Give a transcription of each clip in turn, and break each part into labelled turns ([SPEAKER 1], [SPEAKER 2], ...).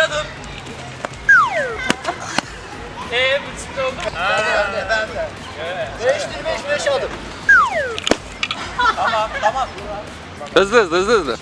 [SPEAKER 1] adım. Bu çıktı oldu mu?
[SPEAKER 2] Ben de. 5 adım.
[SPEAKER 1] Tamam.
[SPEAKER 3] Hızlı.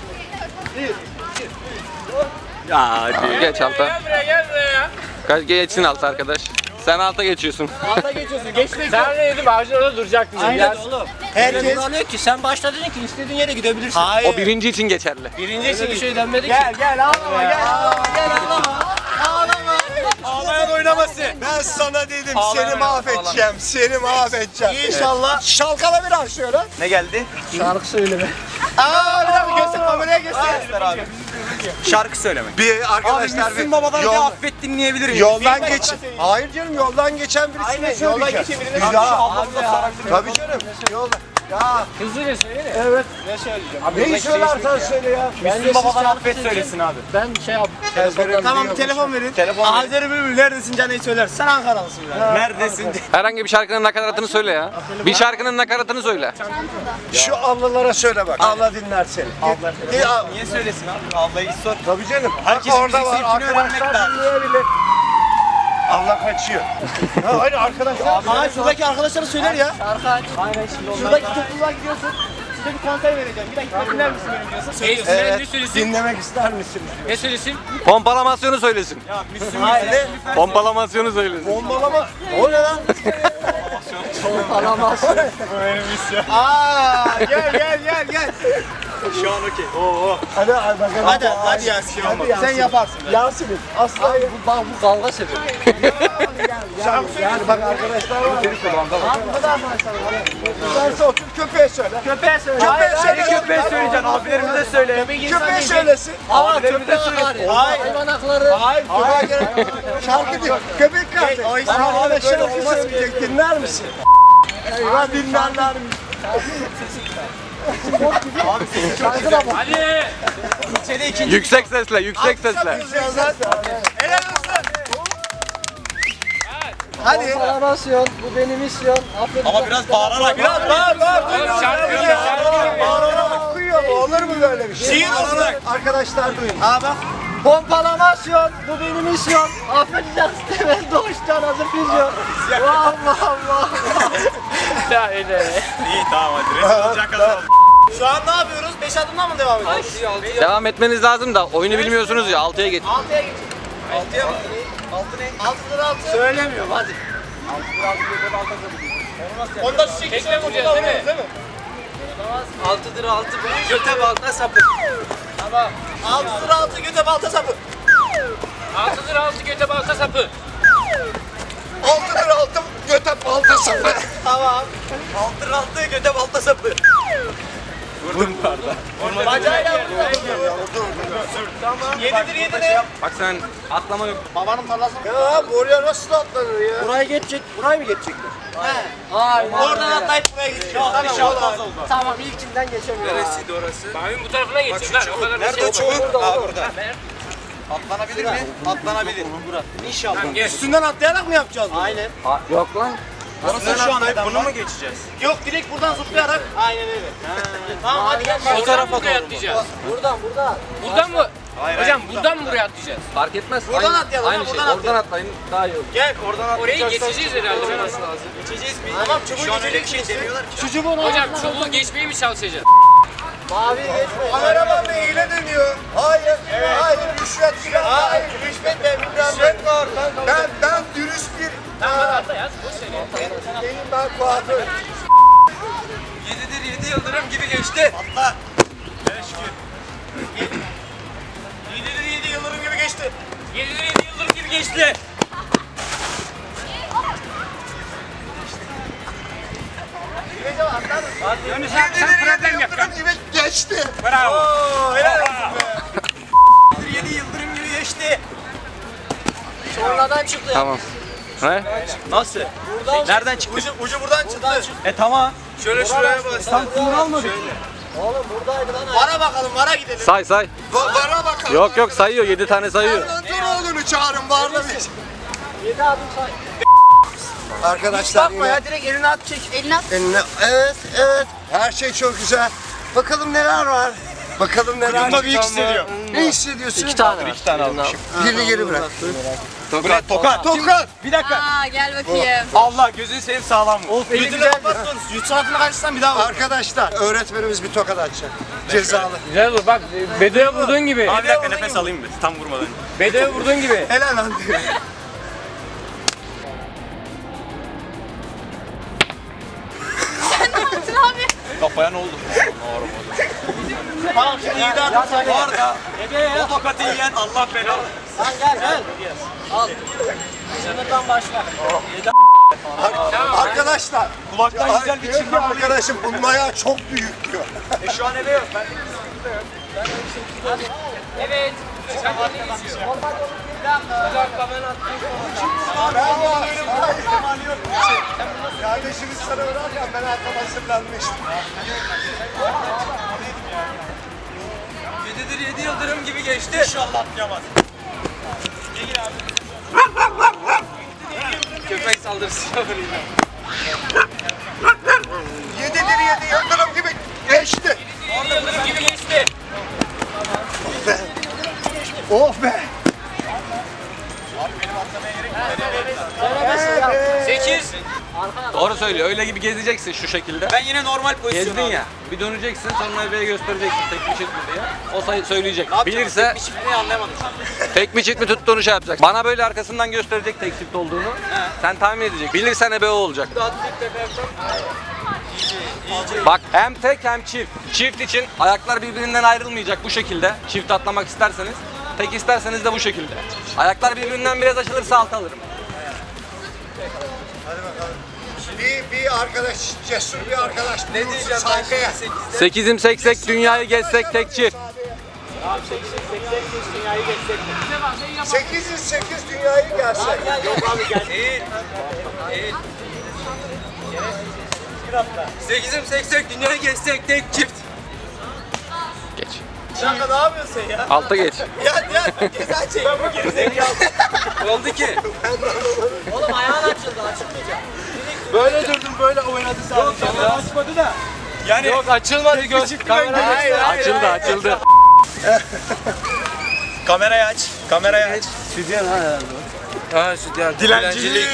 [SPEAKER 3] Ya hadi geç alta.
[SPEAKER 1] Gel buraya.
[SPEAKER 3] Geçsin alta arkadaş. Sen alta geçiyorsun.
[SPEAKER 2] Alta geçiyorsun. Geçmek
[SPEAKER 1] Sen ne dedim? Ağacın orada duracaktın.
[SPEAKER 2] Aynen oğlum. Herkes...
[SPEAKER 4] Buranıyor ki sen başta dedin ki istediğin yere gidebilirsin.
[SPEAKER 2] Hayır.
[SPEAKER 3] O birinci için geçerli.
[SPEAKER 4] Birinci için bir şey denmedi ki.
[SPEAKER 2] Gel ağlama.
[SPEAKER 1] Ağlayan oynaması.
[SPEAKER 5] Ben sana dedim seni mahvedeceğim.
[SPEAKER 2] İnşallah. Şalkala biraz şöyle.
[SPEAKER 5] Ne geldi?
[SPEAKER 4] Şarkı söyleme.
[SPEAKER 2] Bir dakika göster kameraya göster.
[SPEAKER 5] Abi. Şarkı söyleme. Bir arkadaşlar
[SPEAKER 4] Müslüm Baba'dan bir affet dinleyebilirim.
[SPEAKER 5] yoldan geç. Hayır canım yoldan geçen birisine
[SPEAKER 2] Yoldan
[SPEAKER 5] söyleyeceğim.
[SPEAKER 2] geçen birine
[SPEAKER 5] Tabii canım. Yolda. Ya
[SPEAKER 1] Hızlıca söyle.
[SPEAKER 5] evet.
[SPEAKER 2] Ne söyleyeceğim?
[SPEAKER 5] Neyi söylersen söyle ya.
[SPEAKER 4] Müslüm Baba'dan affet söylesin abi. Ben şey yap.
[SPEAKER 2] Tamam bir telefon verin. Azeri Bülbül neredesin Can'ı söyler. Sen Ankaralısın yani.
[SPEAKER 5] Neredesin?
[SPEAKER 3] Herhangi bir şarkının nakaratını söyle ya. Bir şarkının nakaratını söyle.
[SPEAKER 5] Şu ablalara söyle bak. Abla dinler seni.
[SPEAKER 4] Niye söylesin abi? Ablayı sor.
[SPEAKER 5] Tabii canım.
[SPEAKER 4] Herkesin
[SPEAKER 5] Orada var.
[SPEAKER 4] müzik zevkini öğrenmek
[SPEAKER 5] Arkadaşlar
[SPEAKER 4] lazım.
[SPEAKER 5] dinleyebilir. Abla kaçıyor. Ha, hayır arkadaşlar.
[SPEAKER 2] Aa şuradaki arkadaşlara söyler ya.
[SPEAKER 4] Şarkı aç. Aynen şimdi onlar.
[SPEAKER 2] Şuradaki topluluğa gidiyorsun. Size bir konser vereceğim. Bir dakika dinler misin benim diyorsun? Söylüyorsun.
[SPEAKER 1] Ne söylesin?
[SPEAKER 5] Dinlemek ister misin?
[SPEAKER 1] Ne söylesin?
[SPEAKER 3] Pompalamasyonu söylesin.
[SPEAKER 2] Hayır.
[SPEAKER 3] Pompalamasyonu söylesin.
[SPEAKER 5] Bombalama. O ne lan?
[SPEAKER 4] Alamazsın.
[SPEAKER 2] Gel.
[SPEAKER 5] Şu an okey. Oo.
[SPEAKER 2] Hadi bakalım. Hadi Yasin. Sen yaparsın.
[SPEAKER 5] Yasin'im. Asla
[SPEAKER 4] Bak bu kavga sebebi.
[SPEAKER 5] yani bak arkadaşlar var. Sen otur köpeğe söyle.
[SPEAKER 2] Köpeğe söyle.
[SPEAKER 5] Köpeğe söyle.
[SPEAKER 4] Köpeğe söyleyeceksin. Abilerimize söyle.
[SPEAKER 5] Köpeğe söylesin.
[SPEAKER 4] Abilerimize söylesin. Hayvan hakları.
[SPEAKER 5] Hayır. Köpeğe gerek. Şarkı diyor. Köpek kardeş. Sana öyle şarkı söyleyecek. Dinler misin? Eyvah dinlerler mi?
[SPEAKER 1] Hadi.
[SPEAKER 3] Yüksek sesle.
[SPEAKER 2] Helal olsun. Hadi.
[SPEAKER 4] Alamazsın. Bu benim misyon. Affet.
[SPEAKER 5] Ama biraz bağırarak.
[SPEAKER 2] Biraz bağır.
[SPEAKER 5] Okuyuyor mu? Olur mu böyle bir şey?
[SPEAKER 2] Şiir olarak.
[SPEAKER 5] Arkadaşlar duyun.
[SPEAKER 2] Aa bak.
[SPEAKER 4] Pompalamasyon. Bu benim misyon. Affedeceksin. Ben doğuştan hazır füzyon. Vah.
[SPEAKER 1] Ya öyle.
[SPEAKER 5] İyi tamam hadi. Rezil olacak kadar.
[SPEAKER 2] Şu an ne yapıyoruz? 5 adımdan mı devam ediyoruz?
[SPEAKER 3] Devam etmeniz lazım da oyunu bilmiyorsunuz ya 6'ya geç.
[SPEAKER 2] 6'ya geç. 6'ya mı? 6 lira 6.
[SPEAKER 4] Söylemiyorum hadi.
[SPEAKER 2] Onda şu şekilde
[SPEAKER 1] Tekme vuracağız değil mi?
[SPEAKER 4] 6'dır 6. Göte balta sapı.
[SPEAKER 2] 6 lira 6 göte balta sapı.
[SPEAKER 1] 6'dır 6 göte balta sapı.
[SPEAKER 5] 6'dır 6 göte balta sapı.
[SPEAKER 2] Tamam.
[SPEAKER 4] 6'dır 6 göte balta sapı.
[SPEAKER 2] Bacayla vur. Tamam. 7'dir 7 ne?
[SPEAKER 3] Bak sen atlama yok.
[SPEAKER 2] Babanın tarlası mı?
[SPEAKER 5] Ya buraya nasıl atlanır ya?
[SPEAKER 4] Buraya geçecek. Burayı mı geçecekler?
[SPEAKER 2] Hayır. Oradan atlayıp buraya gideceğiz. Tamam.
[SPEAKER 4] Tamam ilkinden geçemiyorum.
[SPEAKER 5] Neresiydi orası?
[SPEAKER 1] Bayın bu tarafına geçin lan. O kadar da
[SPEAKER 5] Nerede o
[SPEAKER 1] şey yok.
[SPEAKER 5] çubuk? Aa burada. Atlanabilir mi? Atlanabilir.
[SPEAKER 4] İnşallah.
[SPEAKER 1] Tamam gel.
[SPEAKER 2] Üstünden atlayarak mı yapacağız bunu?
[SPEAKER 4] Aynen.
[SPEAKER 3] Yok lan.
[SPEAKER 5] Nasıl şu an bunu mu geçeceğiz?
[SPEAKER 2] Yok direkt buradan zıplayarak. Aynen öyle. Tamam hadi gel.
[SPEAKER 1] O tarafa buraya atlayacağız.
[SPEAKER 4] Buradan.
[SPEAKER 1] Buradan mı? Hocam buradan mı buraya atlayacağız?
[SPEAKER 3] Fark etmez.
[SPEAKER 2] Buradan
[SPEAKER 3] Aynı-
[SPEAKER 2] atlayalım,
[SPEAKER 3] Aynı şey.
[SPEAKER 2] buradan
[SPEAKER 3] Oradan atlayın daha iyi olur.
[SPEAKER 2] Gel oradan
[SPEAKER 1] Orayı geçeceğiz herhalde.
[SPEAKER 2] Geçeceğiz mi? Tamam çubuğu geçecek demiyorlar ki. Şu çubuğun
[SPEAKER 1] Hocam çubuğu geçmeyi mi çalışacağız?
[SPEAKER 4] Mavi geçme.
[SPEAKER 5] Kameraman da hile dönüyor. Hayır. Hayır. Rüşvet filan.
[SPEAKER 2] Hayır rüşvet de
[SPEAKER 5] Rüşvet var. Ben dürüst bir
[SPEAKER 1] Atla yaz. Boş ver ya.
[SPEAKER 5] değilim ben kuaför.
[SPEAKER 4] 7'dir 7 yıldırım gibi geçti.
[SPEAKER 2] Atla. Evet şükür. 7'dir 7 yıldırım gibi geçti.
[SPEAKER 1] 7'de 7 yıldırım gibi geçti.
[SPEAKER 5] Sen problem yap. Geçti.
[SPEAKER 1] Bravo.
[SPEAKER 2] Oo helal olsun be.
[SPEAKER 4] 7 yıldırım gibi geçti. Sonradan çıktı.
[SPEAKER 3] Tamam. Ne?
[SPEAKER 4] Nasıl? Nereden çıktı?
[SPEAKER 2] Ucu buradan çıktı.
[SPEAKER 4] Tamam.
[SPEAKER 2] Şöyle şuraya bas.
[SPEAKER 4] Tam kumru almadık. Oğlum buradaydı lan.
[SPEAKER 2] Vara bakalım vara gidelim.
[SPEAKER 3] Say.
[SPEAKER 5] Vara bakalım.
[SPEAKER 3] Yok sayıyor 7 tane sayıyor.
[SPEAKER 5] Antoroğlu'nu çağırın varla bir.
[SPEAKER 4] 7 adım say.
[SPEAKER 5] Arkadaşlar
[SPEAKER 2] Bakma ya direkt elini at çek.
[SPEAKER 5] eline. Evet. Her şey çok güzel. Bakalım neler var. Bakalım neler
[SPEAKER 2] Ucunda büyük hissediyor.
[SPEAKER 5] Ne hissediyorsun?
[SPEAKER 4] 2 tane var.
[SPEAKER 2] 2 tane almışım.
[SPEAKER 5] Birini geri bırak.
[SPEAKER 2] Tokat. Tokat. Bir dakika.
[SPEAKER 6] Aa gel bakayım.
[SPEAKER 2] Allah gözünü seveyim sağlam mı?
[SPEAKER 4] Of, eli
[SPEAKER 2] Gözünü
[SPEAKER 4] güzel.
[SPEAKER 2] kapatsanız. Yutsuatını kaçırsan bir daha vur.
[SPEAKER 5] Arkadaşlar öğretmenimiz bir tokat atacak. Cezalı.
[SPEAKER 1] Güzel vur bak. Bedoya vurduğun gibi.
[SPEAKER 2] Abi bir dakika nefes alayım bir. Tam vurmadan.
[SPEAKER 1] Bedoya vurduğun gibi.
[SPEAKER 5] Helal lan diyor.
[SPEAKER 6] Abi.
[SPEAKER 2] Kafaya ne oldu? Tamam şimdi iyi dağıtın. Bu arada o tokatı yiyen Allah belanı.
[SPEAKER 4] Lan gel. Al. Sınırdan başla.
[SPEAKER 5] Arkadaşlar.
[SPEAKER 2] Kulaktan güzel bir
[SPEAKER 5] Diyor ki
[SPEAKER 2] çınlama.
[SPEAKER 5] arkadaşım bunun ayağı çok büyük diyor.
[SPEAKER 2] Şu an eve yok. Ben
[SPEAKER 1] Evet.
[SPEAKER 5] Kardeşimiz sana bırakırken ben arkama hazırlanmıştım.
[SPEAKER 1] 7'dir 7 yıldırım gibi geçti.
[SPEAKER 2] İnşallah atlayamaz.
[SPEAKER 1] Köpek saldırısı yapayım.
[SPEAKER 5] 7'dir 7 yıldırım gibi geçti.
[SPEAKER 1] 7 yıldırım gibi geçti.
[SPEAKER 5] Of be.
[SPEAKER 1] 8.
[SPEAKER 3] Doğru söylüyor. Öyle gibi gezeceksin şu şekilde.
[SPEAKER 2] Ben yine normal pozisyon
[SPEAKER 3] Gezdin ya. Bir döneceksin sonra bebeğe göstereceksin tek mi çift mi diye. O söyleyecek. Bilirse
[SPEAKER 2] Hiçbirini anlayamadım.
[SPEAKER 3] tek mi çift mi tuttuğunu şey yapacak. Bana böyle arkasından gösterecek tek çift olduğunu. Sen tahmin edecek. Bilirsen ebe o olacak. Bak hem tek hem çift. Çift için ayaklar birbirinden ayrılmayacak bu şekilde. Çift atlamak isterseniz. Tek isterseniz de bu şekilde. Ayaklar birbirinden biraz açılırsa alt alırım.
[SPEAKER 5] Bir arkadaş, cesur bir arkadaş. Ne diyeceğim saygıya.
[SPEAKER 3] 8'im seksek dünyayı gezsek tek çift.
[SPEAKER 5] 8'in 8 dünyayı gelsek.
[SPEAKER 2] Değil. 8'im 80 dünyayı geçsek tek çift.
[SPEAKER 3] Geç.
[SPEAKER 2] Şaka ne yapıyorsun sen ya?
[SPEAKER 3] Alta geç.
[SPEAKER 2] Ya ceza çek. Ben bu gerizekalı. Ne oldu ki?
[SPEAKER 4] Oğlum ayağın açıldı. Açılmayacak.
[SPEAKER 2] Böyle durdum böyle oynadı sadece. Yok açmadı da. Yani yok açılmadı göz. Kamerayı aç.
[SPEAKER 3] Açıldı.
[SPEAKER 2] Kamerayı aç. Kamerayı aç.
[SPEAKER 4] Stüdyen ha herhalde.
[SPEAKER 2] Ha sütyen. Dilencilik.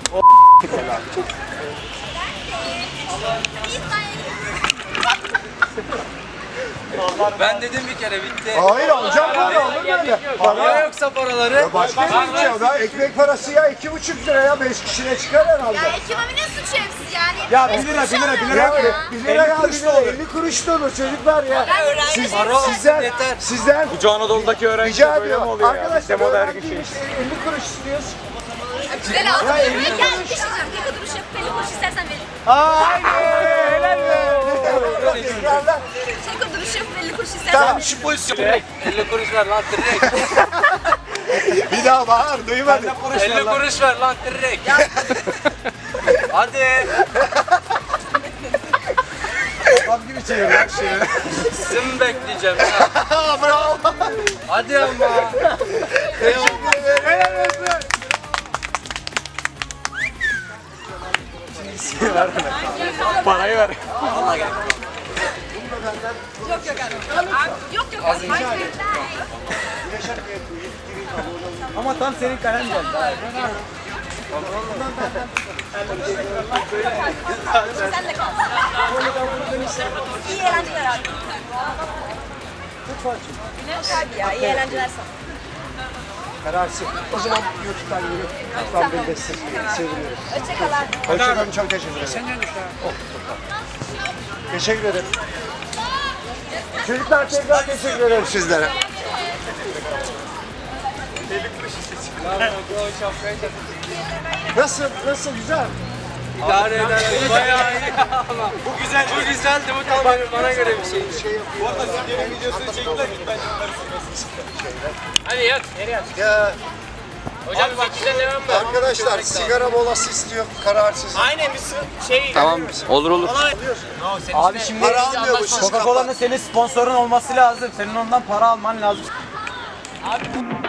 [SPEAKER 1] Ben dedim bir kere bitti.
[SPEAKER 5] Hayır alacağım böyle olur böyle. Para
[SPEAKER 1] Yoksa paraları.
[SPEAKER 5] ya başka bir şey ya. Ben ekmek parası ya 2,5 lira ya 5 kişiye çıkar herhalde.
[SPEAKER 6] Ya ekonominin suçu hepsiz yani.
[SPEAKER 2] Ya 1 lira 1 lira 1 lira.
[SPEAKER 5] Ya 1 lira ya 1 lira 50 kuruş da olur çocuklar ya. Sizden
[SPEAKER 2] Bu Anadolu'daki öğrenci
[SPEAKER 5] rica
[SPEAKER 2] böyle mi
[SPEAKER 5] ediyorum.
[SPEAKER 2] oluyor ya?
[SPEAKER 5] Arkadaşlar
[SPEAKER 2] Demoda her gün şey.
[SPEAKER 5] öğrenciymiş 50 kuruş istiyoruz.
[SPEAKER 6] Güzel aldım.
[SPEAKER 5] Ya,
[SPEAKER 6] Gel
[SPEAKER 5] elli
[SPEAKER 6] bir şey diyeceğim. Tek kuruş yok. 50 kuruş istersen veririm.
[SPEAKER 5] Helal be. Tekrarla.
[SPEAKER 6] Tek kuruş yok. 50 kuruş istersen
[SPEAKER 5] Tamam
[SPEAKER 6] veririm.
[SPEAKER 5] şu pozisyon.
[SPEAKER 1] 50 kuruş ver lan direkt.
[SPEAKER 5] Bir daha bağır duymadım.
[SPEAKER 1] 50 kuruş ver lan direkt. Hadi.
[SPEAKER 5] Bak gibi çevir lan şeyi.
[SPEAKER 1] Sizin bekleyeceğim ya.
[SPEAKER 5] Bravo.
[SPEAKER 1] Hadi ama.
[SPEAKER 5] Teşekkür ederim. Helal olsun.
[SPEAKER 3] Parayı ver.
[SPEAKER 6] Yok yok abi. Abi, yok yok. Hayır.
[SPEAKER 4] Ama tam senin kalem geldi.
[SPEAKER 6] Sen de kal. İyi eğlenceler abi. Hadi ya iyi eğlenceler sana.
[SPEAKER 5] Kararsın. O zaman YouTube'dan yürü. Lütfen beni destekleyin. Seviniyorum.
[SPEAKER 6] Hoşçakal abi.
[SPEAKER 5] Hoşçakalın. Çok teşekkür ederim. Teşekkür ederim. Çocuklar tekrar teşekkür ederim sizlere. Nasıl? Nasıl? Güzel.
[SPEAKER 1] İdare eder. Bayağı iyi ama. Bu güzel. Bu güzeldi. Bu tam bana göre bir şey.
[SPEAKER 2] Bu arada Sütyen'in videosunu çektiler. Ben onları
[SPEAKER 1] Hadi yat. Nereye yat?
[SPEAKER 5] Ya
[SPEAKER 1] Hocam 8'den devam mı?
[SPEAKER 5] arkadaşlar sigara molası istiyor kararsız.
[SPEAKER 2] Aynen bir şey.
[SPEAKER 3] Tamam. Olur olur.
[SPEAKER 4] Abi şimdi
[SPEAKER 5] Para almıyormuşuz.
[SPEAKER 4] Coca-Cola'nın senin sponsorun olması lazım. Senin ondan para alman lazım.